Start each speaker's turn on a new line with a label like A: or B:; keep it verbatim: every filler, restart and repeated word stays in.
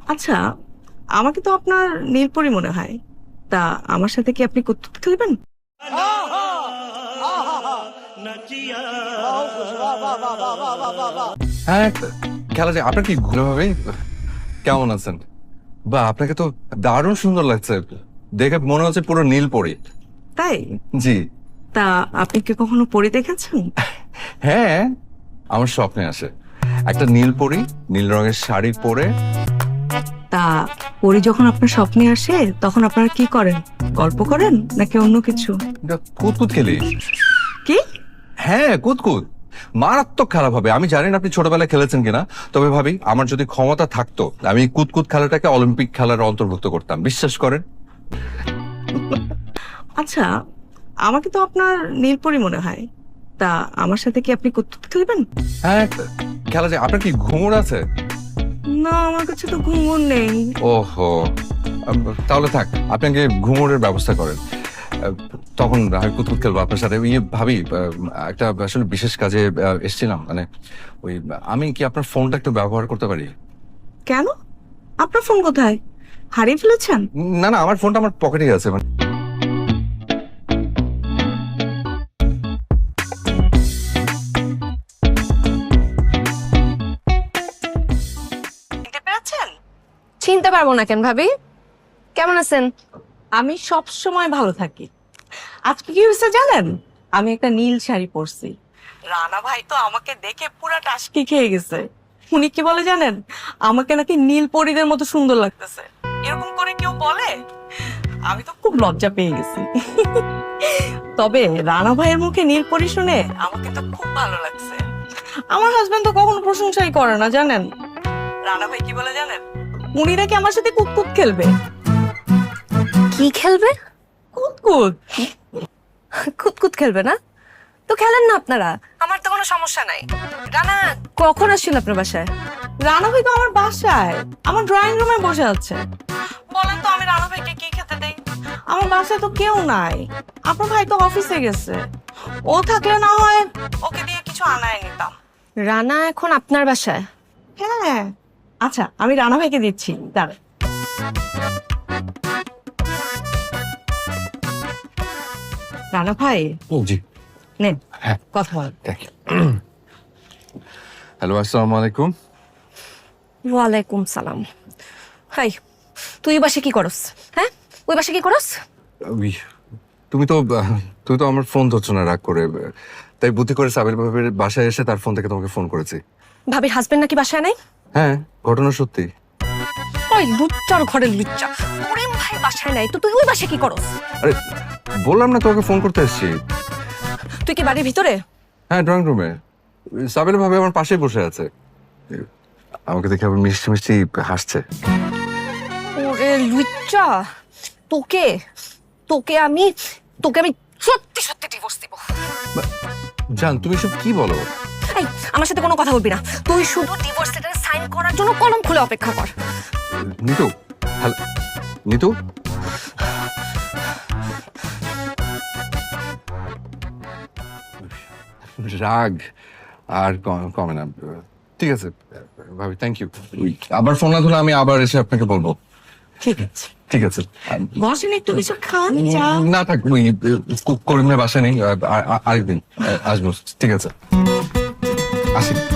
A: আচ্ছা, আমাকে তো আপনার নীলপরি মনে হয়। তা আমার সাথে কি আপনি কুতকুত খেলবেন?
B: হ্যাঁ, খেলা যায়। আপনার কি ঘুরে ভাবে কেমন আছেন? বা আপনাকে তো দারুণ সুন্দর লাগছে, দেখে মনে হচ্ছে পুরো নীল পরি।
A: তাই?
B: জি।
A: তা আপনি কি কখনো পরি দেখেছেন?
B: হ্যাঁ, আমার স্বপ্নে আসে একটা নীল পরি নীল রঙের শাড়ি পরে।
A: তা পরি যখন আপনার স্বপ্নে আসে তখন আপনারা কি করেন? গল্প করেন নাকি অন্য কিছু?
B: কুতকুত খেলি।
A: কি?
B: হ্যাঁ, কুতকুত মারাত্মক খারাপ হবে। আমি জানি না আপনি ছোটবেলায় খেলেছেন কিনা, তবে ভাবি আমার যদি ক্ষমতা থাকতো আমি কুতকুত খেলাটাকে অলিম্পিক খেলার অন্তর্ভুক্ত করতাম, বিশ্বাস করেন।
A: আচ্ছা, আমাকে তো আপনার নীলপরি মনে হয়। তা আমার সাথে কি আপনি কুতকুত খেলবেন?
B: হ্যাঁ, খেলা যায়। আপনার কি ঘুমোর আছে?
A: না, আমার কাছে তো ঘুঙুর নেই।
B: ওহো, আম, তাহলে থাক, আপনি আগে ঘুমোরের ব্যবস্থা করেন। আহ, তখন আমি কুতকুত খেলবো আপনার সাথে। ইয়ে ভাবি, আহ, একটা আসলে বিশেষ কাজে আহ, এসেছিলাম, মানে ওই আমি কি আপনার ফোনটা একটু ব্যবহার করতে পারি?
A: কেন? আপনার ফোন কোথায়? হারিয়ে ফেলেছেন?
B: না না, আমার ফোনটা আমার পকেটেই আছে। মানে
A: চিনতে পেরেছেন?
C: চিনতে পারবো না কেন ভাবি? কেমন আছেন?
A: আমি সব সময় ভালো থাকি। আজকে কি হয়েছে জানেন? আমি একটা নীল শাড়ি পরছি। রানা ভাই তো আমাকে দেখে পুরা টাসকি খেয়ে গেছে। উনি কি বলে জানেন? আমাকে নাকি নীল পরীদের মতো সুন্দর লাগতেছে। এরকম করে কেউ বলে? আমি তো খুব লজ্জা পেয়ে গেছি। তবে রানা ভাইয়ের মুখে নীল পরী শুনে আমাকে তো খুব ভালো লাগছে। আমার হাজবেন্ড তো কখনো প্রশংসাই করে না জানেন। রানা ভাই কি বলে জানেন? উনি নাকি আমার সাথে কুতকুত খেলবে।
C: কি খেলবে?
A: কুতকুত?
C: কুতকুত খেলবে না? তো খেলেন না আপনারা, আমার তো কোনো সমস্যা নাই। রানা কখন আসছিল আপনার বাসায়?
A: রানা ভাই তো আমার বাসায়, আমার ড্রয়িং রুমে বসে আছে। বলেন তো আমি রানা ভাইকে কি খেতে দেই? আমার বাসায় তো কেউ নাই। আপনার ভাই তো অফিসে গেছে। ও থাকলে না হয় ওকে দিয়ে কিছু আনায় নিতাম।
C: রানা এখন আপনার বাসায়?
A: হ্যাঁ। আচ্ছা, আমি রানা ভাইকে দিচ্ছি, দাঁড়ান। রানা ভাই
B: জি।
A: নেন,
B: হ্যাঁ,
A: কথা বল।
B: হ্যালো, আসসালামু আলাইকুম।
C: ওয়ালাইকুম সালাম। হাই, তুই ওই বাসে কি করস? হ্যাঁ, ওই বাসে কি করস?
B: ওই, তুমি তো আহ, তুমি তো আমার ফোন ধরছো না রাগ করে, তাই বুদ্ধি করে সাবির ভাবির বাসায় এসে তার ফোন থেকে তোমাকে ফোন করেছি।
C: ভাবির হাজবেন্ড নাকি বাসায় নাই?
B: হ্যাঁ, ঘটনা সত্যি।
C: ওই লুচ্চার ঘরের লুচ্চা, প্রেম ভাই বাসায় নাই তো তুই ওই বাসে কি করস?
B: আরে বললাম না তোমাকে ফোন করতে এসেছি।
C: তুই কি বাড়ির ভিতরে?
B: হ্যাঁ, ড্রয়িং রুমে। সাবির ভাবি আমার পাশেই বসে আছে, আমাকে দেখে আবার মিষ্টি মিষ্টি হাসছে।
C: ওরে লুচ্চা, তোকে তোকে আমি তোকে আমি সত্যি সত্যি ডিভোর্স দিব।
B: জান, তুমি সব কি বলো?
C: এই, আমার সাথে কোনো কথা বলবি না। তুই শুধু ডিভোর্স লেটারে সাইন করার জন্য কলম খুলে অপেক্ষা কর।
B: নিতু, হ্যালো নিতু। রাগ আর ক- কমে না। ঠিক আছে ভাবি, থ্যাংক ইউ। আবার ফোন না ধরলে আমি আবার এসে আপনাকে বলবো।
A: ঠিক আছে,
B: ঠিক আছে।
A: বসেন, একটু কিছু খান, চা।
B: না থাক, ওই করিমের বাসা নেই, আ- আ- আরেকদিন আসবো। ঠিক আছে, আসি।